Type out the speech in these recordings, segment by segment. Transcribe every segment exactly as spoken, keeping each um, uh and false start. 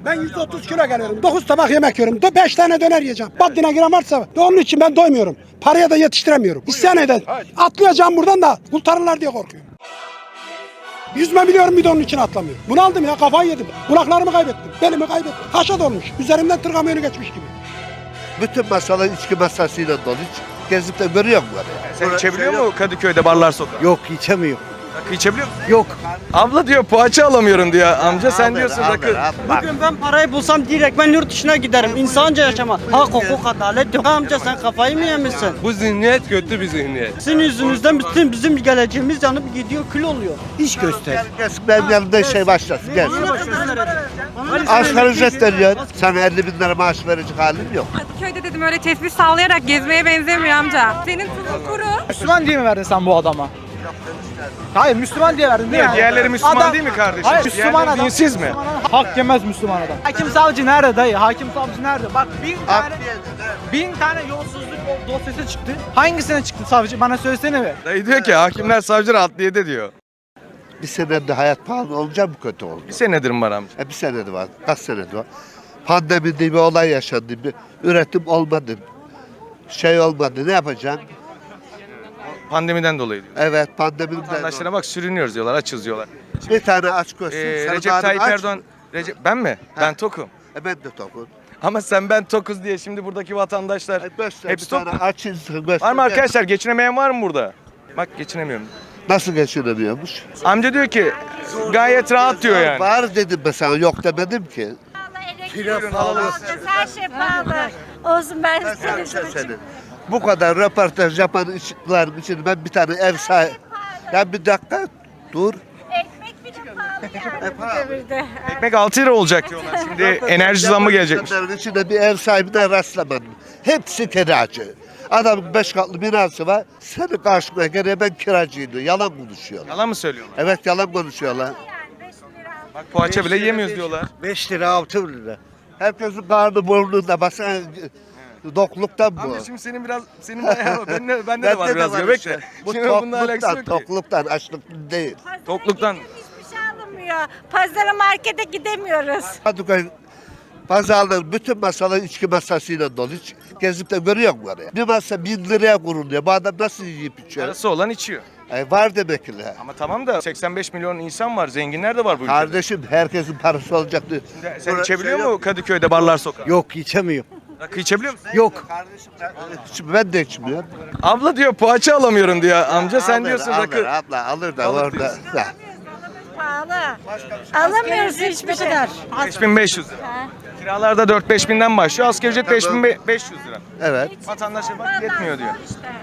Ben yüz otuz kilo geliyorum. dokuz tabak yemek yiyorum. beş tane döner yiyeceğim. Baddine giren varsa onun için ben doymuyorum. Paraya da yetiştiremiyorum. İsyan eder. Atlayacağım buradan da kurtarırlar diye korkuyorum. Yüzme biliyorum bir de onun için atlamıyorum. Bunu aldım ya, kafayı yedim. Kulaklarımı kaybettim. Belimi kaybettim. Haşa dolmuş. Üzerimden tır kamyonu geçmiş gibi. Bütün masalar içki masasıyla dolu. Hiç gezip de görüyor musun? Sen içebiliyor mu Kadıköy'de barlar sokak? Yok, içemiyor. Rakı içebiliyor musun? Yok. Abla diyor poğaça alamıyorum diyor. Amca sen diyorsun rakı. Bugün ben parayı bulsam direkt ben yurt dışına giderim. İnsanca yaşama. Hak, hukuk, adalet yok. Amca sen kafayı mı yemişsin? Bu zihniyet kötü bir zihniyet. Sizin yüzünüzden bütün bizim geleceğimiz yanıp gidiyor, kül oluyor. İş göster. Gelsin benim yanımda şey başlasın. Gel. Asgari ücret veriyor. Sana elli bin lira maaş verecek halim yok. Kadıköy'de dedim öyle tesbih sallayarak gezmeye benzemiyor amca. Senin tuzun kuru. Müslüman diye mi verdin sen bu adama? Hayır, Müslüman diye verdin değil mi? Diğerleri Müslüman Adam- değil mi kardeşim? Hayır, Müslüman Diğerleri adam. dinsiz mi? Hak yemez Müslüman adam. Hakim savcı nerede dayı? Hakim savcı nerede? Bak bin tane, bin tane yolsuzluk dosyası çıktı. Hangisine çıktı savcı? Bana söylesene be. Dayı diyor ki hakimler savcılar adliyede diyor. Bir senede hayat pahalı olacak mı kötü oldu? Bir senedir mi var amca? E bir senede var. Kaç senede var? Pandemi diye bir olay yaşandı. Bir üretim olmadı. Şey olmadı. Ne yapacaksın? Pandemiden dolayı diyor. Evet pandemiden Vatandaşlara bak sürünüyoruz diyorlar, açız diyorlar. bir tane aç görsün. Ee, sana Recep daha Tayyip aç. Erdoğan, Recep, ben mi? Ben tokum. E ben de tokum. Ama sen ben tokuz diye şimdi buradaki vatandaşlar E göster hepsi bir tok. tane aç insan göster. Var mı arkadaşlar? Geçinemeyen var mı burada? Bak geçinemiyorum. Nasıl geçinemiyormuş? Amca diyor ki gayet rahat diyor yani. Var dedim ben sana yok demedim ki. Kilo pahalı. Her şey pahalı. Olsun ben Ben sana bir size şey söyleyeyim. Bu kadar röportaj yapan ışıkların için ben bir tane ev sahibi. Ya bir dakika dur. ekmek bile pahalı yani bu devirde. Ekmek altı lira olacak diyorlar. Şimdi enerji zammı gelecekmiş. İnsanların içinde bir ev sahibine rastlamadım. Hepsi kiracı. Adamın beş katlı binası var. Senin karşına gene ben kiracıyım diyor. Yalan konuşuyorlar. Yalan mı söylüyorlar? Evet yalan konuşuyorlar. Yani beş lira. Bak poğaça bile yemiyoruz diyorlar. beş lira, altı lira. Herkesin karnı burnunda. Basana dokluktan bu. Amca şimdi senin biraz senin bayağı bende, bende de Bende var de biraz var göbek işte. de. Bu Şimdi bununla alakası tokluktan, yok ki. tokluktan, açlıktan değil. Pazara Tokluktan. gittim, hiçbir şey alınmıyor. Pazara markete gidemiyoruz. Kadıköy pazarların bütün masalar içki masasıyla dolu. Hiç gezip de görüyor musun oraya? Bir masa bin liraya kuruluyor. Bu adam nasıl yiyip içiyor? Parası olan içiyor. E, var demek ki. Ama tamam da seksen beş milyon insan var. Zenginler de var bu ülkede. Kardeşim herkesin parası olacaktı. Sen içebiliyor mu Kadıköy'de barlar sokak? Yok, içemiyor. Rakı içebiliyor musun? Yok. Kardeşim ben, ben de içmiyorum. Abla diyor poğaça alamıyorum diyor. Amca sen Alır, diyorsun alır, rakı. Abla alır da Alır orada. diyorsun. Ha. Pahalı. Alamıyoruz hiçbir şey. beş bin beş yüz lira. Kiralarda dört beş binden başlıyor. Asgari ücret beş bin beş yüz lira. Evet. Vatandaşa bak yetmiyor diyor.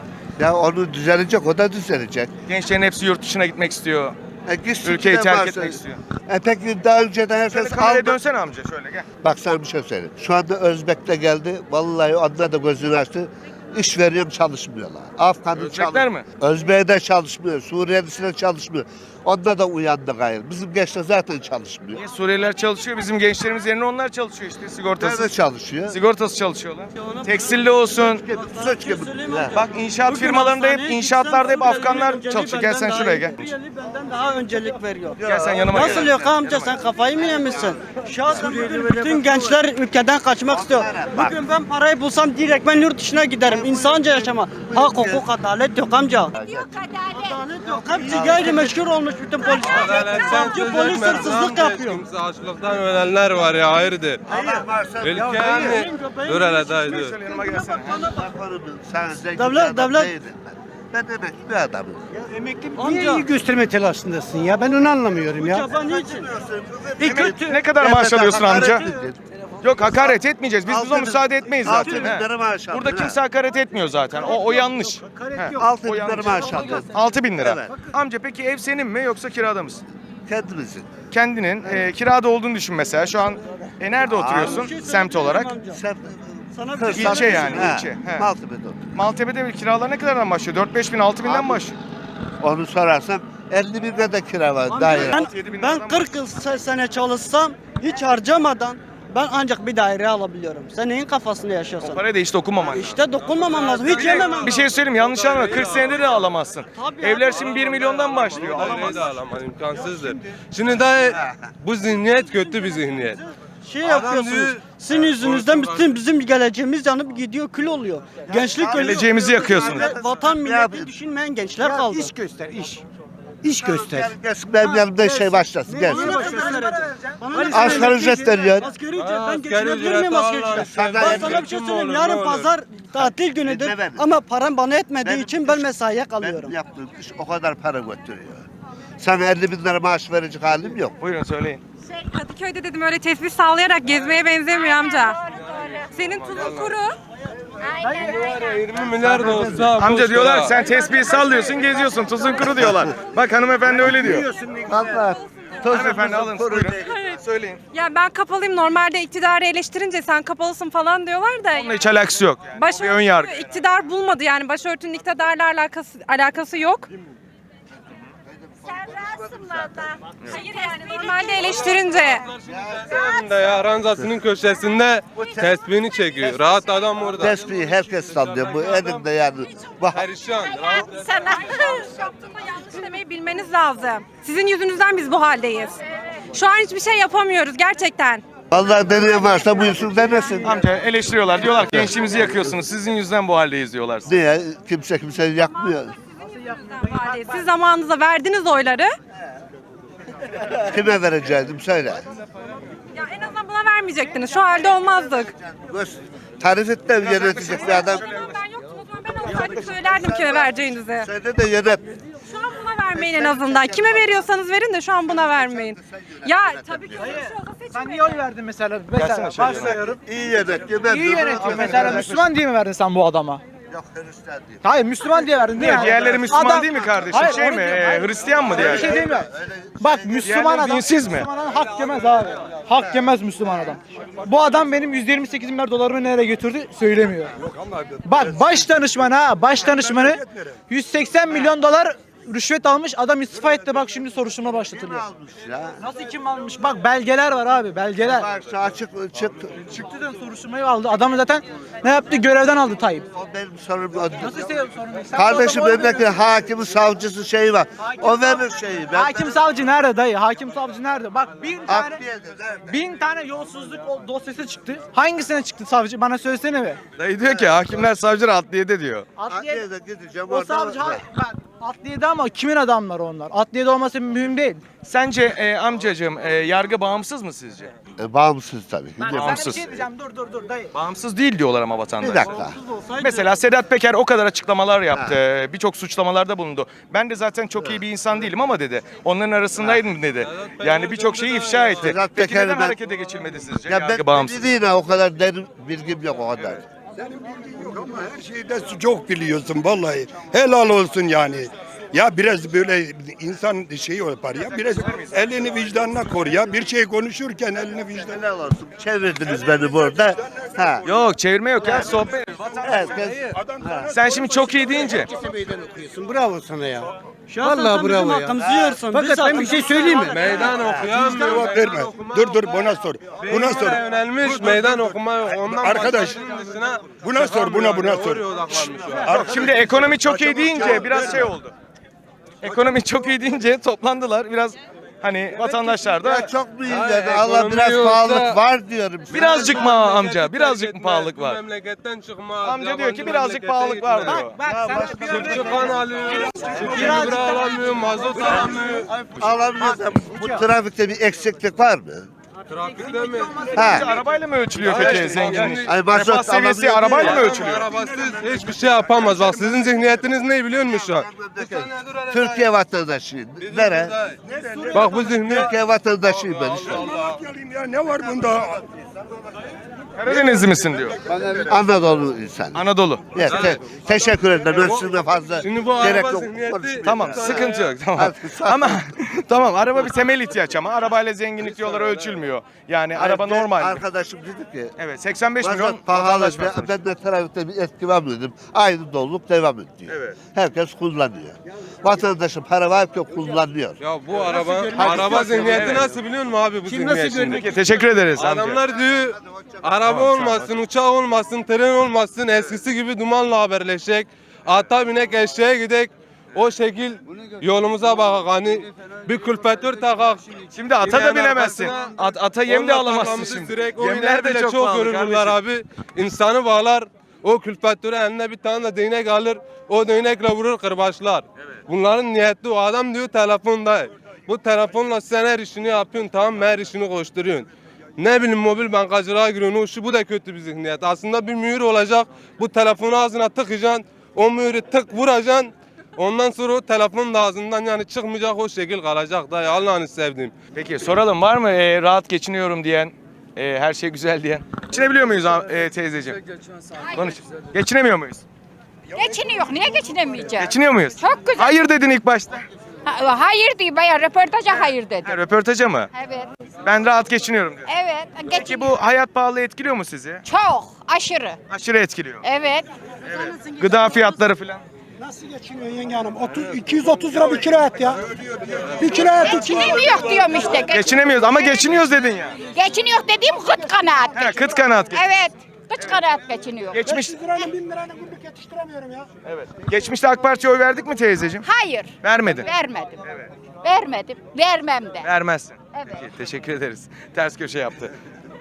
Ya onu düzelecek, o da düzelecek. Gençlerin hepsi yurt dışına gitmek istiyor. E, gitsin Ülkeyi giden terk varsa- etmek istiyor. E peki daha önceden Şöyle herkes kameraya aldı. dönsene amca şöyle gel. Bak sana bir şey söyleyeyim. Şu anda Özbek'le geldi. Vallahi onlar da gözünü açtı. İş veriyorum çalışmıyorlar. Afgan'ın Özbekler mi? Özbek'e de çalışmıyor. Suriyelisi'ne çalışmıyor. Onda da uyandı gayrı. Bizim gençler zaten çalışmıyor. Niye Suriyeliler çalışıyor? Bizim gençlerimiz yerine onlar çalışıyor işte sigortası. Nerede çalışıyor? Sigortası çalışıyorlar. Tekstilde olsun. Suç gibi. Ha. Bak inşaat Bugün firmalarında hep hastaneye inşaatlarda hep gitsem Afganlar Suriyeli çalışıyor. Gel sen benden şuraya daha- gel. Suriyeli benden daha öncelik veriyor. Gel sen yanıma Nasıl gel. yok amca, sen kafayı mı yemişsin? Şu anda bugün bütün gençler ülkeden kaçmak istiyor. Bugün ben parayı bulsam direkt ben yurt dışına giderim. İnsanca yaşama. Hak, hukuk, adalet yok amca. Yok adalet. Adalet yok. Hepsi gayrimeşgul olmuş bütün polisler. Savcı polis hırsızlık yapıyor. Kimse açlıktan ölenler var ya hayırdır. Ülke yani. Dur hele dayı dur. Şöyle yanıma gelsene. Devlet- devlet- Ben emekli bir adamım. Emekli Niye iyi gösterme telaşındasın ya? Ben onu anlamıyorum Bu ya. çaba niçin? Emek- ne kadar maaş alıyorsun amca? Yok hakaret etmeyeceğiz. Biz Altı buna bin- müsaade etmeyiz altı zaten. bin he. lira maaş aldın, Burada ha. kimse hakaret etmiyor zaten. O, o yanlış. He, Altı o bin lira yanlış. maaş aldım. altı bin lira. Evet. Amca peki ev senin mi yoksa kirada mısın? Kendimizin. Kendinin e, kirada olduğunu düşün mesela. Şu an e, nerede oturuyorsun semt olarak? Sen Sana bir kırk şey İlçe söyleyeyim. yani Ha, ilçe. He. Maltepe'de oturuyorum. Maltepe'de bir kiralar ne kadardan başlıyor? dört beş bin altı binden başlıyor. Onu sorarsam elli bin lira da kira var Amca, daire. altı yedi bin Ben, liradan ben kırk yıl se- sene çalışsam hiç harcamadan ben ancak bir daire alabiliyorum. Sen neyin kafasında yaşıyorsun? Parayı da hiç dokunmaman lazım. İşte dokunmamam lazım. Hiç yememem Bir şey söyleyeyim yanlış anlama. kırk senede de alamazsın. Tabii Evler abi. şimdi bir milyondan başlıyor. Daireyi Alamazsın. de alamaz imkansızdır. Şimdi dayı bu zihniyet kötü bir zihniyet. şey Adam yapıyorsunuz. diyor- Sizin yüzünüzden bütün bizim geleceğimiz yanıp gidiyor, kül oluyor. Gençlik ölüyor. Geleceğimizi yakıyorsunuz. Ve Vatan milleti düşünmeyen gençler kaldı. İş göster, iş. İş göster. Gel, gelsin benim yanımda şey başlasın gelsin. Bana ne kadar vereceksin? Bana ne Asgari kadar ücret veriyor. Asgari ücret Ha, ben asgari geçinebilir ücret miyim asgari Allah ücret? Allah. Ben sana bir şey Kim söyleyeyim. olur, Yarın ne olur? pazar tatil günüdür Dinle beni. ama param bana etmediği Benim için iş- ben mesaiye kalıyorum. Benim yaptığım iş o kadar para götürüyor. Sana elli bin lira maaş verecek halim yok. Buyurun söyleyin. Kadıköy'de dedim öyle tesbih sallayarak gezmeye benzemiyor amca. Senin tuzun kuru. Aynen aynen. yirmi milyar da olsa Amca boş diyorlar ver. sen tesbih sallıyorsun geziyorsun tuzun kuru diyorlar. Bak hanımefendi öyle diyor. Allah. Hanımefendi alın buyurun. Söyleyin. Ya ben kapalıyım normalde iktidarı eleştirince sen kapalısın falan diyorlar da. Onunla hiç alakası yok. Yani. O bir ön yargı. Başörtü iktidar bulmadı yani başörtünün iktidarla alakası alakası yok. Sen rahatsın valla. Hayır yani normalde eleştirince. Elinde ya ranzasının köşesinde tesbihini çekiyor. Rahat adam orada. Tespihi herkes sallıyor bu elimde yani. Bak Perişan. Rahat. Sana. Yaptığımda yanlış demeyi bilmeniz lazım. Sizin yüzünüzden biz bu haldeyiz. Şu an hiçbir şey yapamıyoruz gerçekten. vallahi deneyen varsa buyursun denesin. Amca eleştiriyorlar. Diyorlar ki gençliğimizi yakıyorsunuz. Sizin yüzünden bu haldeyiz diyorlar. Niye? Kimse kimseyi yakmıyor. Bu haldeyiz. Siz zamanınızda verdiniz oyları. Kime vereceğim söyle. Ya en azından buna vermeyecektiniz. Şu halde olmazdık. Tarif et de yönetecek bir adam. Ben yoktum o zaman ben olsaydım söylerdim kime vereceğinizi. Söyle de yönet. Şu an buna vermeyin en azından. Kime veriyorsanız verin de şu an buna vermeyin. Ya tabii ki öyle bir şey olsa Sen seçmeyin. niye oy verdin mesela? Mesela başlıyorum. İyi yönet. Yönet. İyi yönetiyor mesela. Müslüman diye mi verdin sen bu adama? Yok Hristiyan değil. Hayır Müslüman diye verdin değil mi? Diğerleri Müslüman Adam- değil mi kardeşim? Hayır, şey onu mi? diyorum. Ee, Hayır. Hristiyan mı Öyle bir şey diğerleri? değil mi? Bak Müslüman Diğerleri adam. dinsiz mi? Müslüman adam hak yemez abi. Hak yemez Müslüman adam. Bu adam benim yüz yirmi sekiz milyar dolarımı nereye götürdü söylemiyor. Bak baş danışman ha baş danışmanı yüz seksen milyon dolar rüşvet almış adam istifa etti bak şimdi soruşturma başlatılıyor. Almış ya. Nasıl kim almış? Bak belgeler var abi belgeler. Bak şu açık çık. Çıktı da soruşturmayı aldı. Adamı zaten ne yaptı? Görevden aldı Tayyip. O benim sorum. o- Nasıl istiyorum sorun değil. Sen Kardeşim bu adama oy memleket veriyorsun. hakimi savcısı şeyi var. O verir şeyi. Ben Hakim savcı nerede dayı? Hakim savcı nerede? Bak bin tane Adliyede nerede? bin tane yolsuzluk o- dosyası çıktı. Hangisine çıktı savcı? Bana söylesene be. Dayı diyor ki hakimler savcılar adliyede diyor. Adliye, Adliyede gideceğim o orada. savcı ha- bak, adliyede ama kimin adamları onlar? Adliyede olması mühim değil. Sence e, amcacığım e, yargı bağımsız mı sizce? E, bağımsız tabii. Ben Niye sana Bağımsız. bir şey diyeceğim. Dur dur dur dayı. Bağımsız değil diyorlar ama vatandaş. Bir dakika. Mesela Sedat Peker o kadar açıklamalar yaptı. Birçok suçlamalarda bulundu. Ben de zaten çok iyi bir insan değilim ama dedi. Onların arasındaydım dedi. Yani birçok şeyi ifşa etti. Sedat Peki Peker'i neden ben- harekete geçilmedi sizce? Ya Yargı ben bağımsız. yine o kadar derin bilgim yok o kadar. Her şeyde çok biliyorsun vallahi. Helal olsun yani. Ya biraz böyle insan şey yapar ya. Biraz elini vicdanına kor ya. Bir şey konuşurken elini vicdanına. Helal olsun. Çevirdiniz beni burada. Ha. Yok çevirme yok ya sohbet. Herkes. Sen şimdi çok iyi deyince. Bravo sana ya. Vallahi Vallahi bravo bravo ya. ya. Hakkımızı yiyorsun. Fakat Biz ben bir hakkımızı şey söyleyeyim mi? Meydan okuyan mı? Cevap verme. Dur dur buna sor. Buna sor. Beynine yönelmiş meydan okuma yok. Ondan Arkadaş, başkasının dışına buna sor, buna, buna çıkamıyor. sor. Oraya odaklanmış o an. Şimdi ekonomi çok iyi deyince biraz şey oldu. Ekonomi çok iyi deyince toplandılar. Biraz hani vatandaşlar da Ya çok büyük Hayır, yani. Allah ekonomi biraz yoksa- pahalılık var diyorum. birazcık mı amca? Birazcık mı pahalılık Bu var? memleketten çıkma. Amca diyor ki birazcık pahalılık var diyor. Bak sana bir örnek Çiftçi kan alıyor. Çiftçi gübre alamıyor. Mazot alamıyor. Alamıyorsam bu trafikte bir eksiklik var mı? Trafikte mi? Ha. Arabayla mı ölçülüyor peki zenginlik? Ay mazot Refah seviyesi alabiliyor arabayla mı değil ölçülüyor? Arabasız hiçbir şey yapamaz. Bak sizin zihniyetiniz ne biliyor musun şu an? Türkiye vatandaşıyım. Nere? Bak bu zihniyet. Türkiye vatandaşıyım ben işte. Ya ne var bunda? Karadenizli misin diyor. Anadolu insan. Anadolu. Evet, te- teşekkür ederim. Ben sizinle fazla Şimdi bu gerek araba yok. zihniyeti- Konuşmayayım. Tamam sıkıntı yok tamam. Ama tamam araba bir temel ihtiyaç ama arabayla zenginlik diyorlar ölçülmüyor. Yani araba Ben- normal. Arkadaşım dedi ki Evet seksen beş milyon mazot pahalı. vatandaş var Ben, sonuçta. ben de trafikte bir etki var mı dedim. Aynı doluluk devam ediyor. Evet. Herkes kullanıyor. Vatandaşın para var ki kullanıyor. Ya bu araba araba zihniyeti Evet. nasıl biliyor musun abi bu zihniyet şimdi? Peki, teşekkür ederiz amca. Adamlar diyor araba olmasın, uçak olmasın, tren olmasın, eskisi gibi dumanla haberleşecek. Ata binek eşeğe gidek. o şekil yolumuza bakak hani bir külfetör takak. Şimdi ata da bilemezsin. Arkasına At, ata yem de onunla alamazsın kafamızı şimdi. sürek, o Yemler ileride de de çok, çok pahalı görürler kardeşim. abi. İnsanı bağlar. O külfetörü eline bir tane de değnek alır. O değnekle vurur kırbaçlar. Bunların niyeti o adam diyor telefonda. Bu telefonla sen her işini yapıyorsun tamam her işini koşturuyorsun. Ne bileyim mobil bankacılığa giriyorsun o şu bu da kötü bir zihniyet. Aslında bir mühür olacak. Bu telefonu ağzına tıkacaksın. O mühürü tık vuracaksın. Ondan sonra o telefon da ağzından yani çıkmayacak o şekil kalacak da ya Allah'ını sevdiğim. Peki soralım var mı e, rahat geçiniyorum diyen, e, her şey güzel diyen? Geçinebiliyor muyuz e, teyzeciğim? Konuş. Geçinemiyor muyuz? Geçiniyor. Niye geçinemeyeceğiz? Geçiniyor muyuz? Çok güzel. Hayır dedin ilk başta. Ha- hayır diyor bayağı röportaja hayır dedi. Ha, röportaja mı? Evet. Ben rahat geçiniyorum diyor. Evet. Peki Geçin. bu hayat pahalı etkiliyor mu sizi? Çok aşırı. Aşırı etkiliyor. Evet. Gıda fiyatları falan. Nasıl geçiniyor yenge hanım? otuz, iki yüz otuz lira bir kilo et ya. Bir kilo et iki yüz. Geçinemiyor diyorum işte. Geç- Geçinemiyoruz ama geçiniyoruz dedin ya. Geçiniyor dediğim kıt kanaat. Ha, geçiniyor. kıt kanaat. geç- Evet. Kıt kanaat geçiniyor. Geçmiş. beş yüz lirayla bin lirayla günlük yetiştiremiyorum ya. Evet. Geçmişte AK Parti'ye oy verdik mi teyzeciğim? Hayır. Vermedin. Vermedim. Vermedim. Vermem de. Vermezsin. Evet. Peki, teşekkür ederiz. Ters köşe yaptı.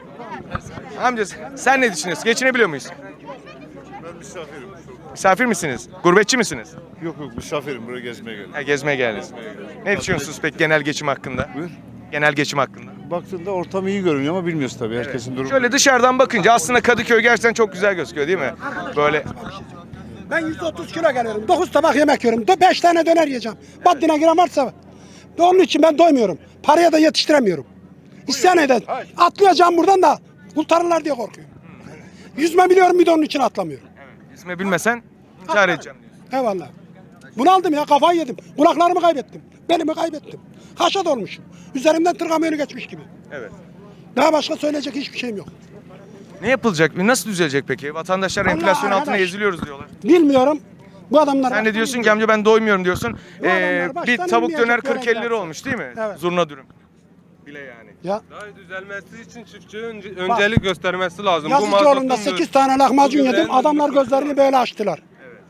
Amca sen ne düşünüyorsun? Geçinebiliyor muyuz? Ben misafirim. Misafir misiniz? Gurbetçi misiniz? Yok yok misafirim buraya gezmeye geldim. Ha, gezmeye geldiniz. Ne düşünüyorsunuz peki genel geçim hakkında? Buyur. Genel geçim hakkında. Baktığında ortam iyi görünüyor ama bilmiyoruz tabii herkesin durumu. Şöyle dışarıdan bakınca aslında Kadıköy gerçekten çok güzel gözüküyor değil mi? Böyle Ben yüz otuz kilo geliyorum. dokuz tabak yemek yiyorum. beş tane döner yiyeceğim. Baddine giren varsa. Onun için ben doymuyorum. Paraya da yetiştiremiyorum. İsyan eden. Atlayacağım buradan da kurtarırlar diye korkuyorum. Yüzme biliyorum bir de onun için atlamıyorum. yüzme bilmesen intihar edeceğim diyorsun. Eyvallah. Bunaldım ya kafayı yedim. Kulaklarımı kaybettim. Belimi kaybettim. Haşa dolmuşum. Üzerimden tır kamyonu geçmiş gibi. Evet. Daha başka söyleyecek hiçbir şeyim yok. Ne yapılacak? Nasıl düzelecek peki? Vatandaşlar Vallahi enflasyon altına arkadaş. eziliyoruz diyorlar. Bilmiyorum. Bu adamlar... Sen de diyorsun ki amca ben doymuyorum diyorsun. Bu Ee, adamlar baştan bir tavuk inmeyecek döner kırk elli lira göreceksin. olmuş değil mi? Evet. Zurna dürüm. Bile yani. Ya Daha düzelmesi için çiftçi önce, öncelik göstermesi lazım. Bu Yazıcıoğlu'nda mazotun sekiz tane lahmacun bu yedim. güzel- Adamlar gözlerini böyle açtılar.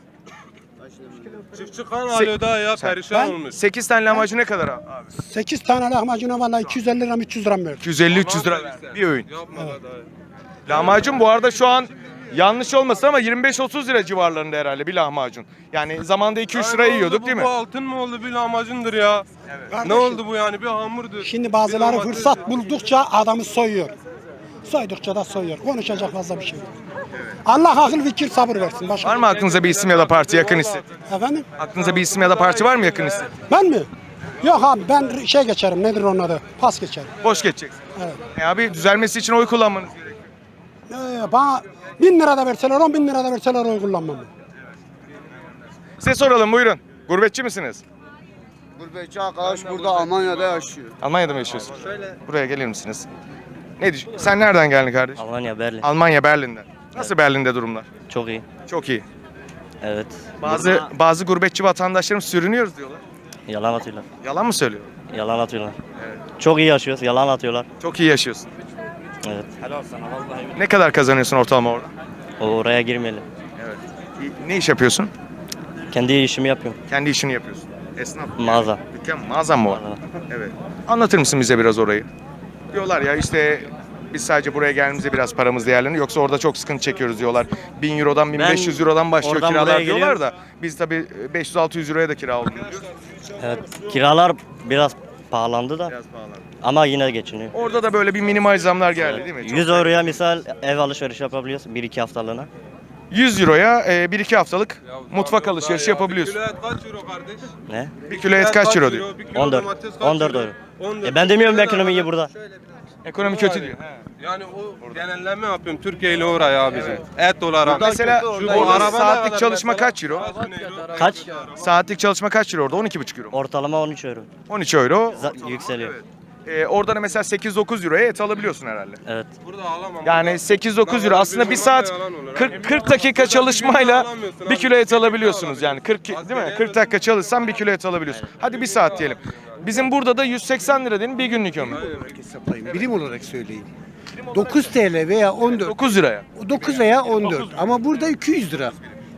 Çiftçi kan alıyor daha ya perişan Ben- olmuş. sekiz tane lahmacun ne kadar abi? sekiz tane lahmacuna vallahi iki yüz elli lira üç yüz lira mı verdim? iki yüz elli üç yüz lira verdi bir öğün. Yapma da daha. Lahmacun bu arada şu an yanlış olmasın ama yirmi beş otuz lira civarlarında herhalde bir lahmacun. Yani zamanda iki üç lira Ay, ne yiyorduk oldu değil bu? mi? Bu altın mı oldu bir lahmacundur ya. Ne Kardeşim, oldu bu yani bir hamurdur. Şimdi Bir bazıları lahmacun- fırsat buldukça adamı soyuyor. Soydukça da soyuyor. Konuşacak fazla bir şey yok. Allah akıl fikir sabır versin. Başka Var mı aklınıza bir isim ya da parti yakın hissettiğiniz? Efendim? Aklınıza bir isim ya da parti var mı yakın hissettiğiniz? Ben mi? Yok abi ben şey geçerim. Nedir onun adı? Pas geçerim. Boş geçeceksin. Evet. E abi düzelmesi için oy kullanmanız gerekiyor. Ee, bana bin lira da verseler on bin lira da verseler oy kullanmam. Size soralım buyurun. Gurbetçi misiniz? Gurbetçi arkadaş burada Almanya'da yaşıyor. Almanya'da mı yaşıyorsunuz? Buraya gelir misiniz? Ne düşün? Sen nereden geldin kardeş? Almanya, Berlin. Almanya, Berlin'den. Nasıl Berlin'de durumlar? Çok iyi. Çok iyi. Evet. Bazı Burada bazı gurbetçi vatandaşlarım sürünüyoruz diyorlar. yalan atıyorlar. Yalan mı söylüyor? Yalan atıyorlar. Çok iyi yaşıyoruz. Yalan atıyorlar. Çok iyi yaşıyorsun. Evet. Helal sana vallahi. Ne kadar kazanıyorsun ortalama orada? Oraya girmeyelim. Evet. Ne iş yapıyorsun? Kendi işimi yapıyorum. Kendi işini yapıyorsun. Esnaf. Mağaza. Dükkan, mağazan mı var? Mağaza. Evet. Anlatır mısın bize biraz orayı? Diyorlar ya işte biz sadece buraya geldiğimizde biraz paramız değerleniyor. Yoksa orada çok sıkıntı çekiyoruz diyorlar. bin eurodan bin beş yüz eurodan başlıyor oradan kiralar buraya diyorlar geliyorum. da biz tabii beş yüz altı yüz euroya da kira alıyoruz. Evet. Kiralar biraz pahalandı da Biraz pahalı. ama yine geçiniyor. Orada da böyle bir minimal zamlar geldi değil mi? Çok yüz euroya misal ev alışveriş yapabiliyorsun bir iki haftalığına. yüz euroya e, bir iki haftalık Ya mutfak vallahi alışverişi ya, yapabiliyorsun. Bir kilo et kaç euro kardeş? Ne? Bir kilo et kaç euro diyor? Bir kilo on dört. domates kaç on dört euro? euro. on dört. E ben demiyorum ekonomiyi burada. Ekonomi kötü diyor. Yani o genelleme yapıyorum Türkiye ile oraya abicim. Et olarak. Mesela Şu orada bu araba ne saatlik kadar çalışma mesela? kaç euro? Kaç bin euro? Kaç? Saatlik çalışma kaç euro orada? on iki buçuk euro. Ortalama on üç euro. on üç euro. Z- yükseliyor. Ee, orada da mesela sekiz dokuz euroya et alabiliyorsun herhalde. Evet. Burada alamam. Yani sekiz dokuz euro aslında bir saat Yalan olur. kırk, kırk dakika çalışmayla bir kilo et alabiliyorsunuz yani kırk değil mi? kırk dakika çalışsan bir kilo et alabiliyorsun. Hadi bir saat diyelim. Bizim burada da yüz seksen lira diyelim bir günlük ömür. Hesaplayın. Birim olarak söyleyin. dokuz TL veya on dört. dokuz liraya. dokuz veya on dört. Ama burada iki yüz lira.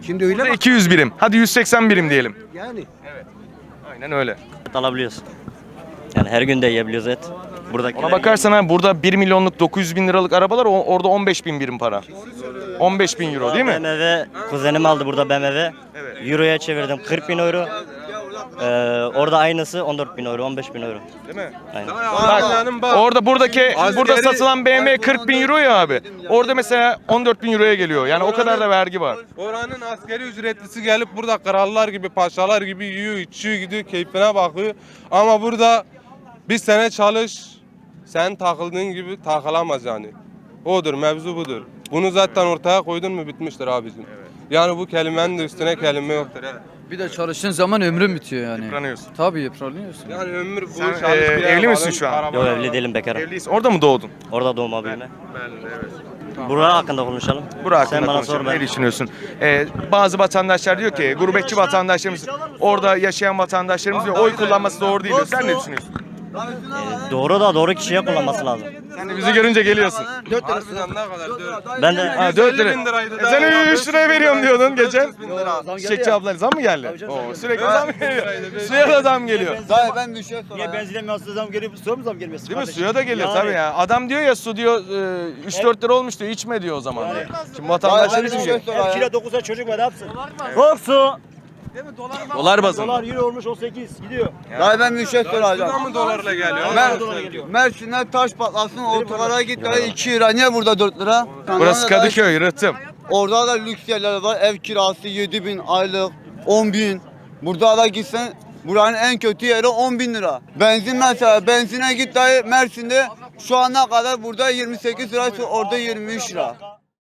Şimdi öyle Burada bak. iki yüz birim. Hadi yüz seksen birim diyelim. Yani. Aynen öyle. Et alabiliyoruz. Yani her gün de yiyebiliyoruz et. Buradakiler Ona bakarsan ha burada bir milyonluk dokuz yüz bin liralık arabalar o- orada on beş bin birim para. on beş bin euro değil mi? B M W kuzenim aldı burada B M W. Euro'ya çevirdim kırk bin euro. Ee, orada aynısı on dört bin euro, on beş bin euro. Değil mi? Aynen. Bak, orada buradaki burada satılan B M W kırk bin euro ya abi. Orada mesela on dört bin euroya geliyor. Yani o kadar da vergi var. Oranın askeri ücretlisi gelip burada krallar gibi, paşalar gibi yiyor, içiyor, gidiyor, keyfine bakıyor. Ama burada bir sene çalış, sen takıldığın gibi takılamaz yani. Odur, mevzu budur. Bunu zaten ortaya koydun mu bitmiştir abicim. Yani bu kelimenin de üstüne kelime yoktur. He. Bir de çalıştığın zaman ömrün bitiyor yani. Yıpranıyorsun. Tabii yıpranıyorsun. Yani ömür bu Sen, çalış e, bir evli ev misin alın, şu an? araba Yok alın. evli değilim bekarım. Evliyiz. Orada mı doğdun? Orada doğma büyüme. Ben de evet. Bura hakkında konuşalım. Bura hakkında Sen bana konuşalım. sor ben. Ne düşünüyorsun? Ee, bazı vatandaşlar diyor ki gurbetçi vatandaşlarımız, orada yaşayan vatandaşlarımız diyor oy kullanması doğru değil diyor. Sen ne düşünüyorsun? Ee, doğru da doğru kişiye kullanması lazım. Sen de bizi görünce geliyorsun. Harbiden ne kadar? dört. Ben de Ha dört lira. bin liraydı E da. sen üç liraya veriyorum diyordun geçen. dört yüz bin lira. Çiçekçi ablalar zam mı geldi? Oo, sürekli zam geliyor. Suya da zam geliyor. Dayı ben bir şey sorayım. benzine mi zam geliyor, su mu zam gelmesi? Değil mi? Suya da geliyor tabii ya. Adam diyor ya su diyor üç dört lira olmuş diyor içme diyor o zaman diyor. Şimdi vatandaşlar Dayı ben için bir şey diyor. sorayım. dokuza çocuk var, ne yapsın? Hop su. Dolar bazında. euro olmuş on sekiz gidiyor. Dayı ben bir şey Buradan soracağım. mı dolarla geliyor? Mer Mersin'e taş patlasın, otolara git dayı iki lira. Niye burada dört lira? Burası Kadıköy, Rıhtım. Orada da lüks yerler var. Ev kirası yedi bin aylık, on bin. Burada da gitsen buranın en kötü yeri on bin lira. Benzin mesela, benzine git dayı Mersin'de şu ana kadar burada yirmi sekiz liraysa orada yirmi üç lira.